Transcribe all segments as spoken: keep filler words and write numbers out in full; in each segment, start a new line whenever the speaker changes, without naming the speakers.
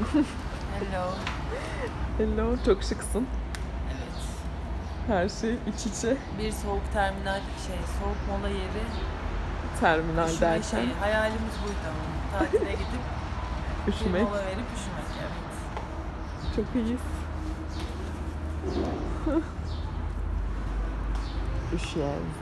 Hello.
Hello, çok şıksın.
Evet.
Her şey iç içe.
Bir soğuk terminal şey, soğuk mola yeri.
Terminal
Üşüme
derken.
şeyi. Hayalimiz buydu ama. Tatile gidip
Üşümek.
bir mola verip üşümek, evet.
Çok iyiyiz. Üşüyoruz.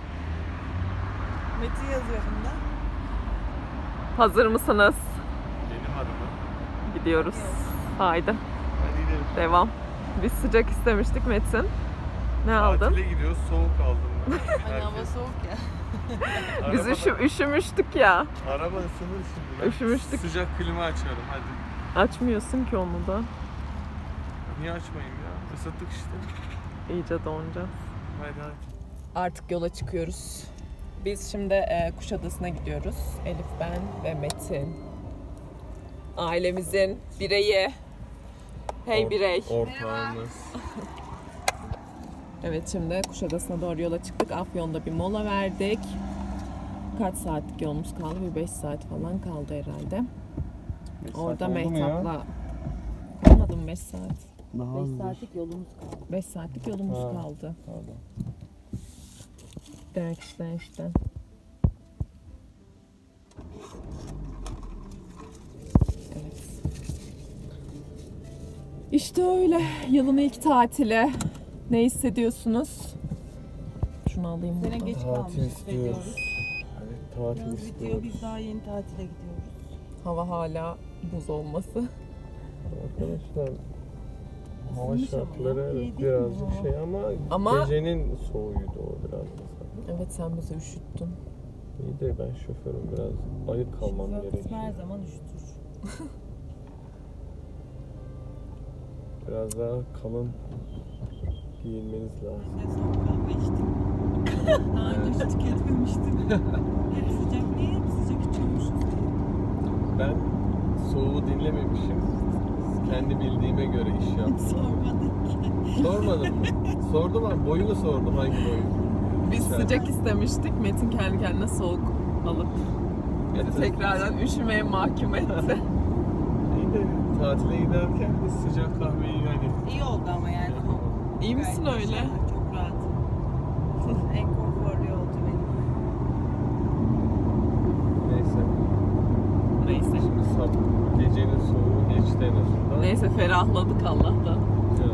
Metin yazıyor bunda.
Hazır mısınız?
Benim adıma.
Gidiyoruz. Haydi.
Hadi gidelim.
Devam. Biz sıcak istemiştik Metin. Ne aldın?
Tatile gidiyoruz, soğuk aldım ben.
Hani hava soğuk ya.
Biz
Arabada-
üşü, üşümüştük ya.
Araba ısınır şimdi. Ben
Üşümüştük.
Sıcak klima açıyorum hadi.
Açmıyorsun ki onu da.
Niye açmayayım ya? Isıttık işte.
İyice donacağız.
Hadi hadi.
Artık yola çıkıyoruz. Biz şimdi e, Kuşadası'na gidiyoruz. Elif, ben ve Metin. Ailemizin bireyi. Hey
Or-
birey.
Ortağımız.
Evet, şimdi Kuşadası'na doğru yola çıktık. Afyon'da bir mola verdik. Kaç saatlik yolumuz kaldı? Bir beş saat falan kaldı herhalde. Orada Mehtap'la... Olmadı mı beş saat?
Daha
beş saatlik yolumuz kaldı.
beş saatlik yolumuz
Ha.
kaldı.
Pardon.
Derkişten işte. Evet. İşte öyle. Yılın ilk tatili. Ne hissediyorsunuz? Şunu alayım
Sene
buradan.
geç
Tatil
kalmış
istiyoruz.
hissediyoruz.
Evet, tatil
Yaz bitiyor,
istiyoruz.
biz daha yeni tatile gidiyoruz.
Hava hala buz olması.
Arkadaşlar hava
Isınmış ama
şartları
ya,
evet,
iyi değil mi
birazcık
hava?
şey ama,
Ama-
gecenin soğuydu o biraz mesela.
Evet, sen bizi üşüttün.
İyi de ben şoförüm, biraz ayık kalmam
Şoför
gerekiyor.
kısmı her zaman üşütür.
Biraz daha kalın giyinmeniz lazım.
Ben soğuk kahve içtim. Daha önce hiç tüketmemiştim. Hep sıcak, niye hep sıcak içiyormuşuz?
Ben soğuğu dinlememişim. Kendi bildiğime göre iş
Hiç
yaptım.
sormadık.
Sormadın mı? Sordum ama boyunu sordum, hangi boyu?
Biz
Güzel.
sıcak istemiştik. Metin kendi kendine soğuk alıp bizi
Getir.
tekrardan üşümeye mahkum etti.
İyi de tatile giderken de sıcak kahveyi hani
İyi oldu ama yani. soğuk.
İyi misin
Gayet
öyle?
güzel, çok rahat. En konforlu yolcu benim.
neyse.
Neyse.
Şimdi sab gecenin soğuğu geçti en azından.
Neyse, ferahladık Allah'tan.
Ya.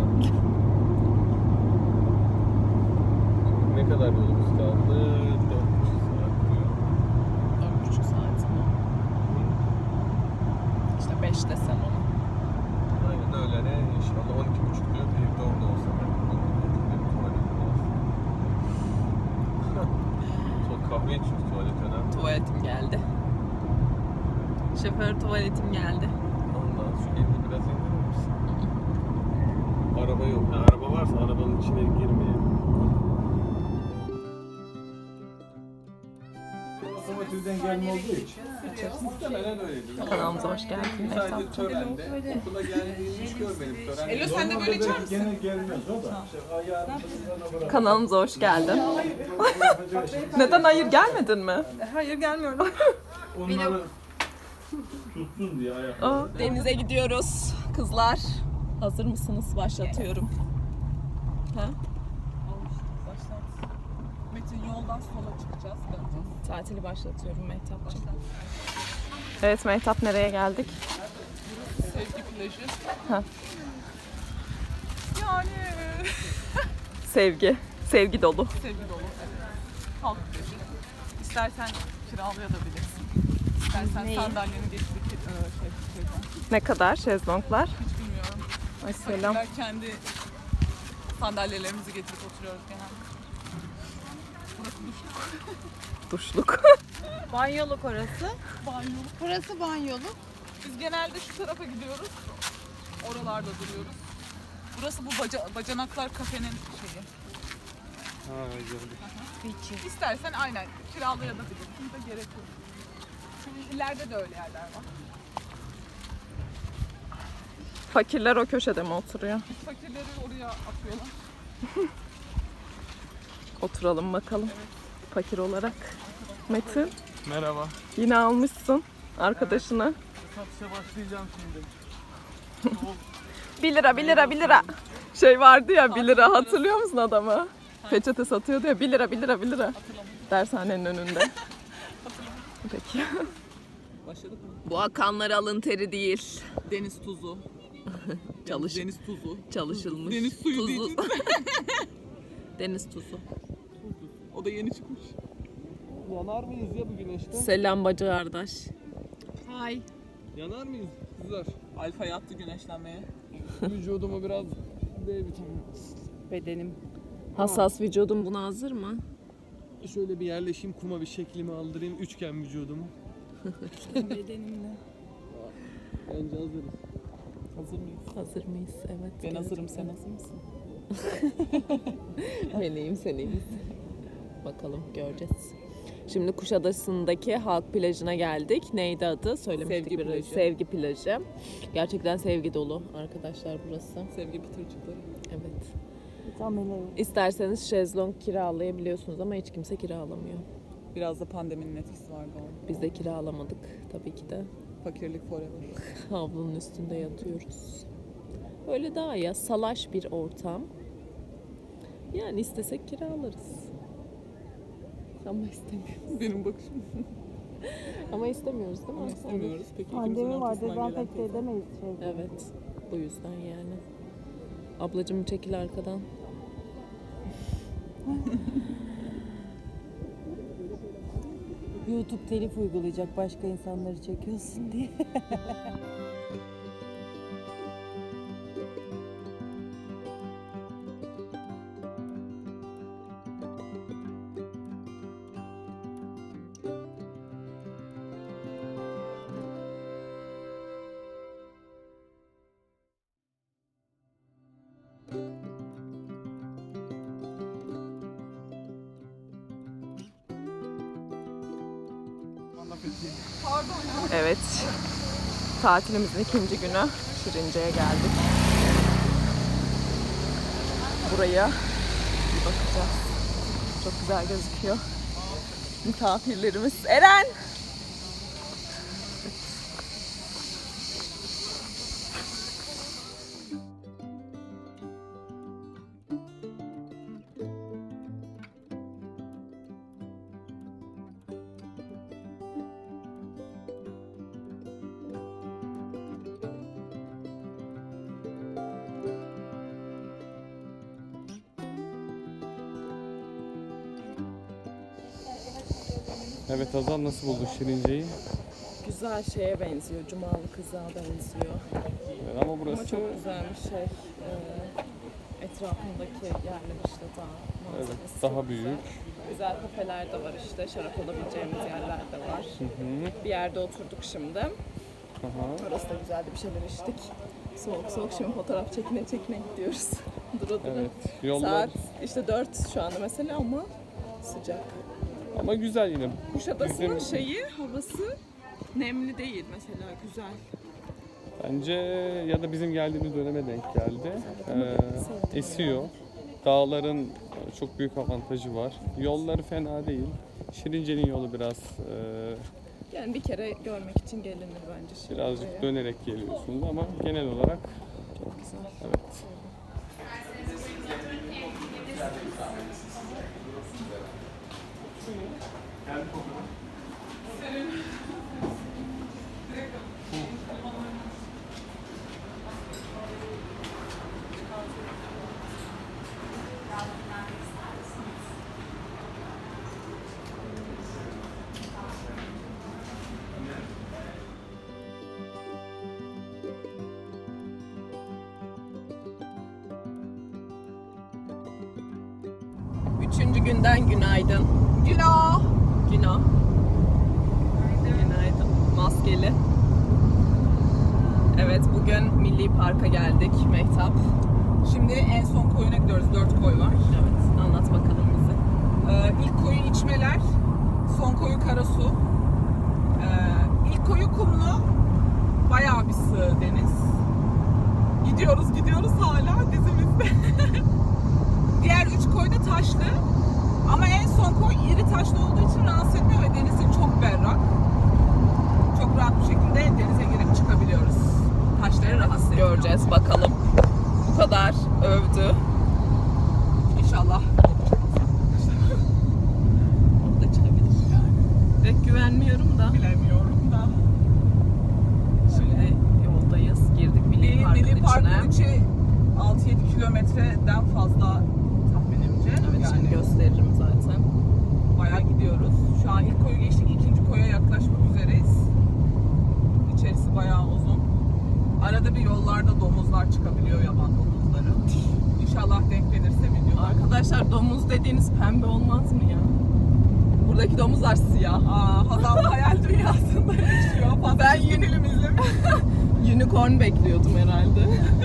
Ne kadar yolumuz kaldı? Dört buçuk saat diyor.
Dört buçuk saat mi? İşte beş desem onu.
Aynen öyle ne inşallah on iki buçuk diyor. Evde orada olsa ben Çok kahve içiyoruz, tuvalet önemli.
Tuvaletim geldi. Şoför, tuvaletim geldi.
Ondan şu elini biraz indirir misin? Araba yok. Yani araba varsa arabanın içine girmeyelim. Otomotivden gelme olduğu için. Muhtemelen öyledir.
Kanalımıza hoş geldin.
Sadece törende. Okula geldiğini hiç görmedim. Tören.
Elo, sen de böyle içer misin?
Gene gelmez o da. İşte ayağını kızlarına bırak.
Kanalımıza hoş geldin. Neden hayır gelmedin mi?
Hayır gelmiyorum.
Onları tutsun diye ayak.
Aa, denize gidiyoruz kızlar. Hazır mısınız? Başlatıyorum. Ha?
Başlat. Metin yoldan sola çıkacağız. Döneceğiz.
Tatili başlatıyorum Mehtap'cığım. Evet Mehtap, nereye geldik?
Sevgi plajı.
Ha.
Yani
Sevgi. Sevgi dolu.
sevgi dolu. Evet. Halk plajı. İstersen kiralayabilirsin. İstersen sandalyeni getirip e, şey, şeyden.
Ne kadar şezlonglar?
Hiç bilmiyorum.
Ay selam.
Fakirler kendi sandalyelerimizi getirip oturuyoruz genelde. Burası duşluk.
Duşluk.
Banyoluk orası.
Banyoluk.
Burası banyoluk.
Biz genelde şu tarafa gidiyoruz. Oralarda duruyoruz. Burası bu baca, bacanaklar kafenin şeyi.
Ha, gördük.
İstersen aynen kiralayabilirsin de gerek yok. Çünkü ileride de öyle yerler var.
Fakirler o köşede mi oturuyor?
Fakirleri oraya atıyorlar.
Oturalım bakalım. Fakir olarak. Metin,
Merhaba.
yine almışsın arkadaşına.
Satışa başlayacağım şimdi.
bir lira, bir lira, bir lira. Şey vardı ya bir lira, hatırlıyor musun adamı? Peçete satıyordu ya, bir lira, bir lira, bir lira. Dershanenin önünde. Peki.
Başladık mı?
Bu akanları alın teri değil.
Deniz tuzu.
Çalış,
Deniz tuzu.
çalışılmış.
Deniz suyu
tuzu.
değil.
Deniz tuzu.
O da yeni çıkmış.
Yanar mıyız ya bu güneşte?
Selam bacı kardeş.
Hay.
Yanar mıyız kızlar?
Alfa yattı güneşlenmeye.
Vücudumu biraz D vitamini.
Bedenim.
Hassas vücudum buna hazır mı?
Şöyle bir yerleşeyim, kuma bir şeklimi aldırayım, üçgen vücudumu.
Bedenimle.
Bence hazırız.
Hazır mıyız?
Hazır mıyız? Evet.
Ben
gerçekten.
hazırım, sen hazır mısın?
Ben iyiyim, sen iyi misin? Bakalım, göreceğiz. Şimdi Kuşadası'ndaki halk plajına geldik. Neydi adı? Söylemiştik
Sevgi
biraz.
plajı.
Sevgi plajı. Gerçekten sevgi dolu arkadaşlar burası.
Sevgi pıtırcıkları.
Evet.
Tam öyle.
İsterseniz şezlong kiralayabiliyorsunuz ama hiç kimse kiralamıyor.
Biraz da pandeminin etkisi var galiba.
Biz de kiralamadık tabii ki de.
Fakirlik forever.
Havlunun üstünde yatıyoruz. Öyle daha ya, salaş bir ortam. Yani istesek kiralarız. Ama istemiyoruz.
Benim bakışım.
Ama istemiyoruz değil mi?
İstemiyoruz. Peki
Pandemi
ikimizin
var,
ortasından gelen
dezenfekte
teyze.
edemeyiz şey.
Evet. Bu yüzden yani. Ablacığım çekil arkadan.
YouTube telif uygulayacak başka insanları çekiyorsun diye.
Evet. Tatilimizin ikinci günü Şirince'ye geldik. Buraya bir bakacağız. Çok güzel gözüküyor. Misafirlerimiz. Eren!
Evet Hazal, nasıl buldun Şirince'yi?
Güzel şeye benziyor. Cumalı Kızığa benziyor.
Evet, ama burası
Ama çok güzelmiş şey. e, etrafındaki yerler işte daha
evet,
manzarası
daha
çok
büyük.
Güzel. güzel kafeler de var işte. Şarap alabileceğimiz yerler de var.
Hı hı.
Bir yerde oturduk şimdi.
Aha.
Orası da güzeldi, bir şeyler içtik. Soğuk soğuk şimdi fotoğraf çekine çekine gidiyoruz. Dura dura.
Evet, yollar
Saat işte dört şu anda mesela ama sıcak.
ama güzel yine.
Kuşadası'nın
Bizim-
şeyi, havası nemli değil mesela, güzel.
Bence ya da bizim geldiğimiz döneme denk geldi. Ee, esiyor. Dağların çok büyük avantajı var. Yolları fena değil. Şirince'nin yolu biraz e,
Yani bir kere görmek için gelinir bence şimdi
birazcık
buraya.
dönerek geliyorsunuz ama genel olarak
Çok güzel.
evet.
Üçüncü günden günaydın. Günah. Günah. Günaydın. Maskeli. Evet, bugün Milli Park'a geldik Mehtap.
Şimdi en son koyuna gidiyoruz. Dört koy var.
Evet, anlat bakalım bize.
Ee, ilk koyu İçmeler, son koyu Karasu. Ee, ilk koyu kumlu, bayağı bir sığ deniz. Gidiyoruz gidiyoruz hala dizimizde. Diğer üç koy da taşlı. Ama en son koy iri taşlı olduğu için rahatsız etmiyor ve denizi çok berrak. Çok rahat bir şekilde denize girip çıkabiliyoruz. Taşları rahatsız
göreceğiz bakalım. Bu kadar övdü.
İnşallah.
O da çıkabilir. Pek güvenmiyorum da.
Bilemiyorum da.
Şimdi yoldayız. Girdik Milli Park'ın
Milli
içine.
Park'ın içi altı yedi kilometreden fazla tahminimce.
Evet,
yani
şimdi gösteririm zaten.
bayağı gidiyoruz. Şu an ilk koyu geçtik, ikinci koya yaklaşmak üzereyiz. İçerisi bayağı uzun. Arada bir yollarda domuzlar çıkabiliyor, yaban domuzları. İnşallah denk gelirse videolar.
Arkadaşlar domuz dediğiniz pembe olmaz mı ya? Buradaki domuzlar siyah.
Aa, Hazal hayal dünyasında yaşıyor. Fazla
Ben
çizgi
yeni-
film izlemiş.
Unicorn bekliyordum herhalde.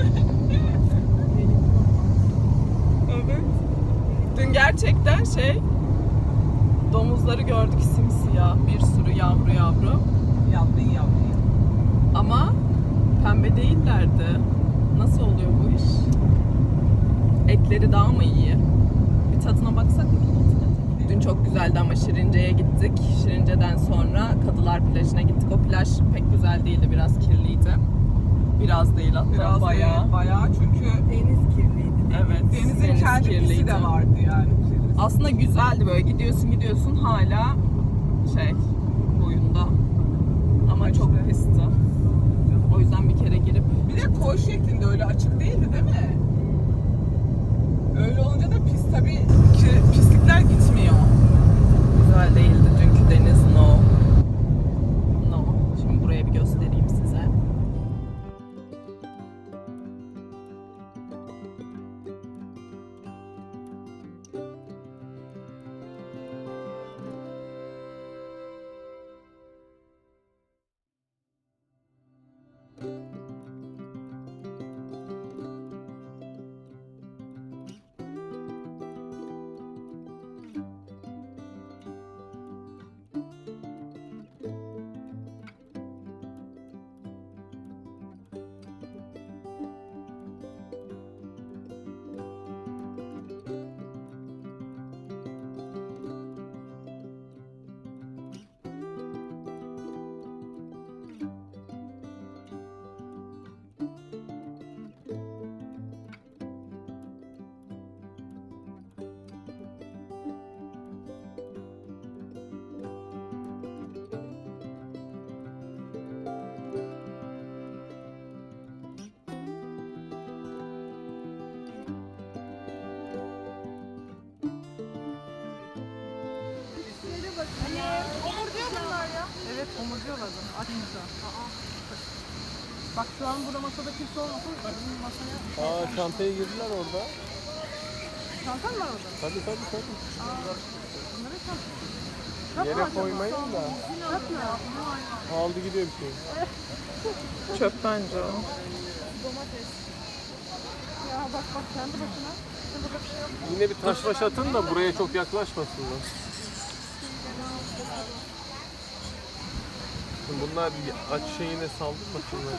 Evet.
Dün gerçekten şey, domuzları gördük simsiyah, bir sürü yavru yavru.
Yaptın yaptın.
Ama pembe değillerdi. Nasıl oluyor bu iş? Etleri daha mı iyi? Bir tadına baksak mı? Dün çok güzeldi ama Şirince'ye gittik. Şirince'den sonra Kadılar plajına gittik. O plaj pek güzel değildi, biraz kirliydi. Biraz değil hatta,
Biraz
bayağı.
bayağı. Bayağı çünkü
Deniz kirliydi.
Evet,
denizin
deniz
kendi pisi
kirliydi.
de vardı yani.
Aslında güzeldi, böyle gidiyorsun gidiyorsun hala şey boyunda. Ama çok pisti. O yüzden bir kere girip
Bir de koy şeklinde, öyle açık değildi değil mi? Öyle olunca da pis tabii ki pislikler gitmiyor.
güzel değildi dünkü deniz, no. No. Şimdi buraya bir göstereyim size.
Evet, omurcuyorlardı. Açınca. Bak şu an burada masada kimse olmasın. Masaya...
Aa, çantaya girdiler orada.
Çantan var orada.
Tabii tabii tabii.
Bunları
Yere koymayın da. Aldı gidiyor bir şey.
Çöp bence o.
Ya bak bak kendi başına. Burada bir şey yok.
Yine bir taş baş atın da buraya çok yaklaşmasınlar. Şimdi bunlar aç şeyine saldırmasınlar.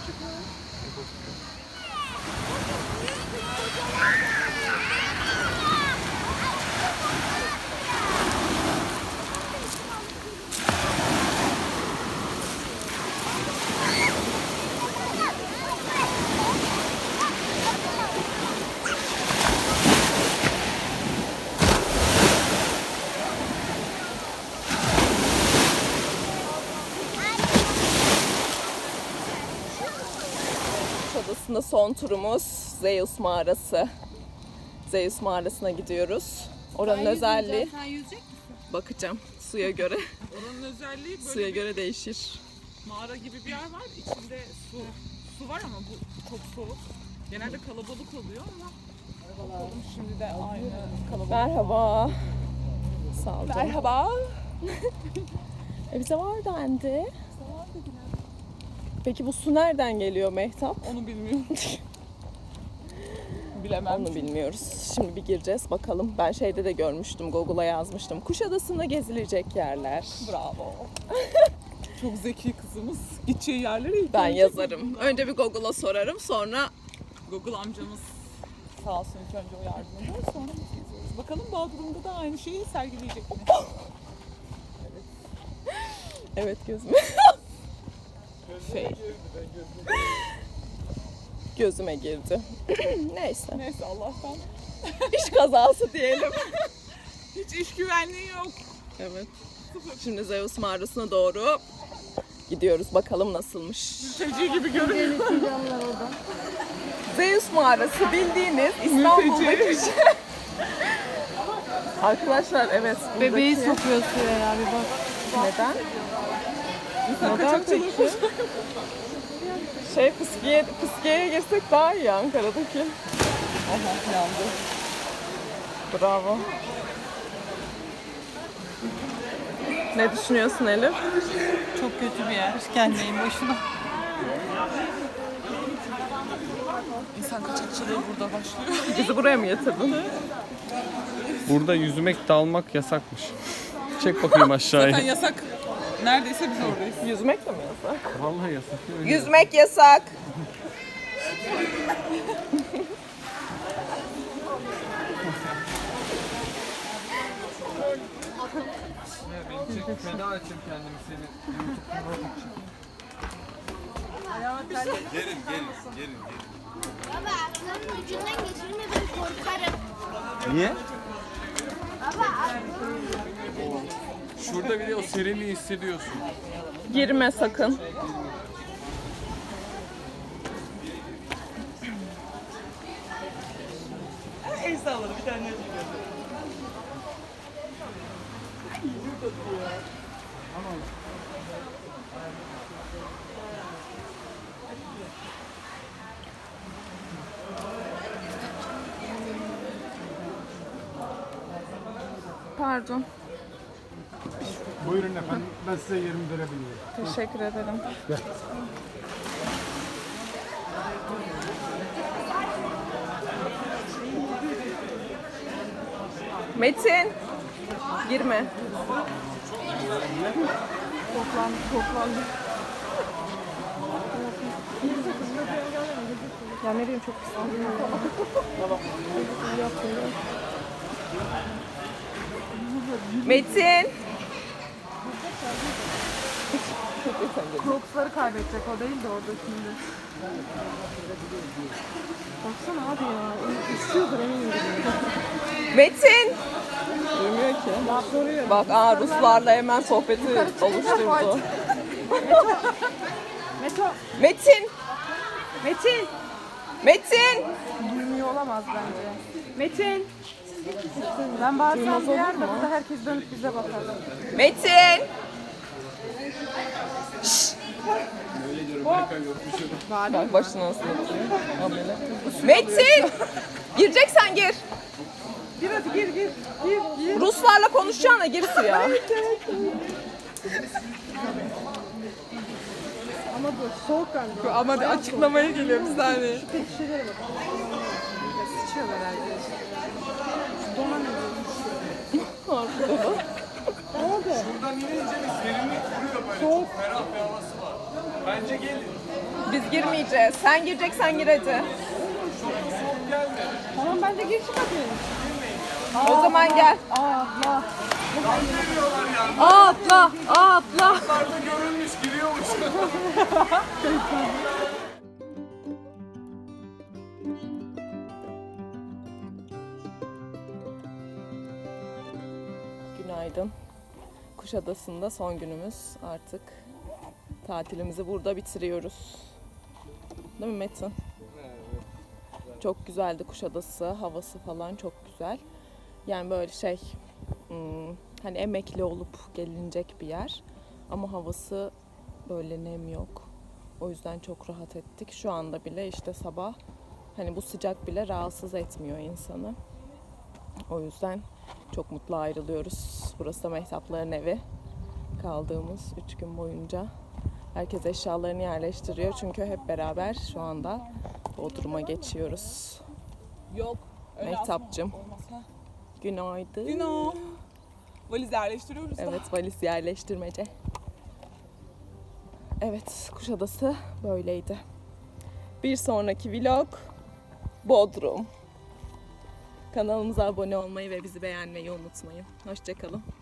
Adasında son turumuz Zeus Mağarası. Zeus Mağarası'na gidiyoruz. Oranın özelliği...
Sen yüzecek misin?
Bakacağım suya göre.
Oranın özelliği böyle
Suya
bir
göre değişir.
mağara gibi bir yer var. İçinde su su var ama bu çok soğuk. Genelde kalabalık oluyor ama bakalım şimdi de aynı kalabalık.
Merhaba. Sağ olun. Merhaba. e bize var dendi. Peki bu su nereden geliyor Mehtap?
Onu bilmiyorum. Bilemem.
Onu bilmiyoruz. Şimdi bir gireceğiz bakalım. Ben şeyde de görmüştüm, Google'a yazmıştım. Kuşadası'nda gezilecek yerler.
Bravo. Çok zeki kızımız. Gideceği yerleri ilk
Ben
önce
yazarım. Önce bir Google'a sorarım, sonra
Google amcamız sağ olsun ilk önce o yardım eder. Sonra biz geziyoruz. Bakalım Bodrum'da da aynı şeyi sergileyecek mi?
evet gözüm.
Şey.
gözüme girdi. Neyse.
Neyse Allah'tan.
İş kazası diyelim.
Hiç iş güvenliği yok.
Evet. Şimdi Zeus mağarasına doğru gidiyoruz. Bakalım nasılmış.
Mülteci gibi görünüyor.
Zeus mağarası bildiğiniz İstanbul'daki şey. Arkadaşlar evet.
Bebeği
buradaki-
sokuyor suya ya bir bak.
Neden? Neden
kaçakçılık
peki? Şey fıskiye, fıskiyeye girsek daha iyi Ankara'daki.
Aha yandı.
Bravo. Ne düşünüyorsun Elif?
Çok kötü bir yer. Kendiyim boşuna.
İnsan kaçakçılığı burada başlıyor.
Bizi buraya mı getirdin?
Burada yüzmek, dalmak yasakmış. Çek bakayım aşağıya.
Zaten yasak. Neredeyse biz oradayız.
Yüzmek de mi yasak?
Vallahi yasak.
Yüzmek yasak.
Beni çekip feda edeceğim kendimi seni.
Baba aklımın ucundan geçirme ben korkarım.
Niye?
Baba aklımın
Şurada bir de o serinliği hissediyorsun.
Girme sakın. Pardon.
Buyurun efendim, ben size yerimi verebilirim.
Teşekkür ederim. Metin. Girme. Toplandı, toplandı. Ya ne diyeyim çok pis. Metin.
Crocs'ları kaybedecek o değil de orada şimdi. Baksana abi ya. İstiyordur eminim.
Metin. Duymuyor ki. Bak aa Ruslarla hemen sohbeti oluşturdu.
Meto.
Metin.
Metin.
Metin.
Duymuyor olamaz bence. Metin. Ben bağırsam duyar da burada herkes dönüp bize bakar.
Metin. Bak başına nasıl yapıyor. Amele. Metin. Gireceksen gir.
Gir hadi gir gir. Gir gir.
Ruslarla konuşacağına gir suya.
Ama bu soğuk galiba.
Ama bir açıklamaya geliyorum bir saniye.
Şişelere bak. Sıçıyorlar herhalde. Donan
Buradan inince bir serinlik vuruyor böyle. Çok ferah bir havası var. Bence gelin.
Biz girmeyeceğiz. Sen gireceksen gir hadi.
Tamam bence gir çık hadi.
O zaman gel.
Aa atla.
Aa atla. Aa atla.
Yukarıda görülmüş giriyormuş.
Günaydın. Kuşadası'nda son günümüz. Artık tatilimizi burada bitiriyoruz. Değil mi Metin? Çok güzeldi Kuşadası. Havası falan çok güzel. Yani böyle şey hmm, hani emekli olup gelinecek bir yer. Ama havası böyle nem yok. O yüzden çok rahat ettik. Şu anda bile işte sabah hani bu sıcak bile rahatsız etmiyor insanı. O yüzden çok mutlu ayrılıyoruz. Burası da Mehtapların evi. Kaldığımız üç gün boyunca. Herkes eşyalarını yerleştiriyor. Çünkü hep beraber şu anda Bodrum'a geçiyoruz.
Yok. öyle
Mehtapcığım.
asma olmaz, ha.
Günaydın.
Güno. Valiz yerleştiriyoruz da.
Evet, valiz yerleştirmece. Evet, Kuşadası böyleydi. Bir sonraki vlog Bodrum. Kanalımıza abone olmayı ve bizi beğenmeyi unutmayın. Hoşça kalın.